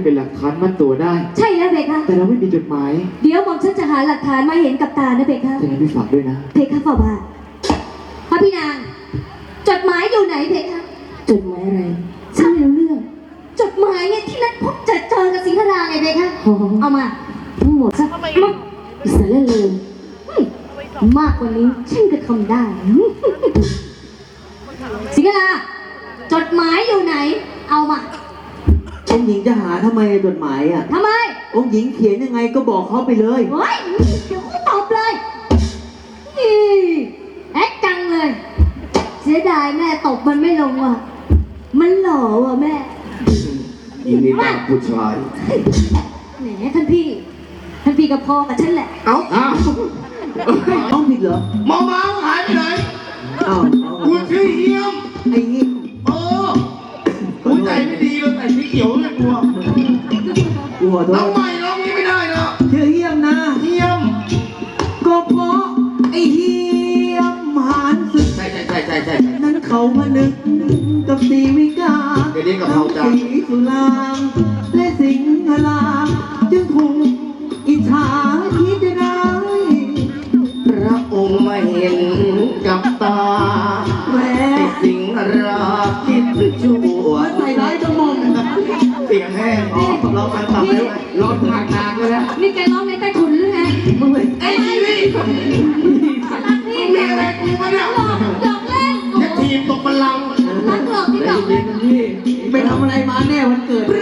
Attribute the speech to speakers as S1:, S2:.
S1: เป็นหลักฐานมัดตัวได้
S2: ใช่แล้วเพคะ
S1: แต่เราไม่มีจดหมาย
S2: เดี๋ยวผมฉันจะหาหลักฐานมาเห็นกับตานะเพคะ
S1: แต่งั้นพี่ฝากด้วยนะ
S2: เพคะฝ่าบาทพระพี่นางจดหมายอยู่ไหนเพคะจดหมายอะไรฉันไม่รู้เรื่องจดหมายเนี่ยที่นัดพบเจอกับสิงห์ราไงเพคะเอามาทั้งหมดสักอิสระเลยมากกว่านี้ฉันก็ทำได้สิงห์ราจดหมายอยู่ไหนเอามา
S3: องค์หญิงจะหาทำไมจดหมายอ่ะ
S2: ทำไม
S3: องค์หญิงเขียนยังไงก็บอกเขาไปเลย
S2: เฮ้ยเดี๋ยวกูตอบเลยแอ๊กจังเลยเสียดายแม่ตบมันไม่ลงว่ะมันหล่อว่ะแม่
S1: ยินดีกับผู้ชาย
S2: แหมท่านพี่กับพ่อกับฉันแหละ
S1: เอา
S3: ต้องผิดเหรอ
S1: หมอม้าหายไปไหน
S3: อ้าว
S1: คุณชื่อเยี่ยม
S3: ไอ้เหี้ย
S1: คุณใจไม่ดีเลยแต่สีเขียวเลยกลัวน้องใหม่ร้องนี้ไม่ได้นะ
S3: ชื่อเหี้ยมนะ
S1: เยี่ยม
S3: ก็เพราะไอ้เหี้ยมหานศึก
S1: ใช่
S3: นั้นเขาพนึกกับสีวิกา
S1: เดี๋ยวนี้กับเขาจ้า
S3: สีสุรางและสิงห์ลางจึงถูกอิจฉาคิดร้าย
S1: พระองค์มาเห็นกับตา
S3: แม่
S1: สิงห์ราคิดชั่ว
S3: ใส่ร้ายจมูก
S1: เสียงแห้งเราไปตับเลยร้อนทางนานแล้ว
S2: นี่แกร้องในใต้ถุนหรือไง
S3: มึงเลย
S1: ไอ้นี่มีอะไรกูมาเนี่ย
S2: ดอกเล่น
S1: จะทีมตกบัลลังก์
S2: รักหลอกที่ดอก
S3: พี่ไปทำอะไรมาแน่วันเกิด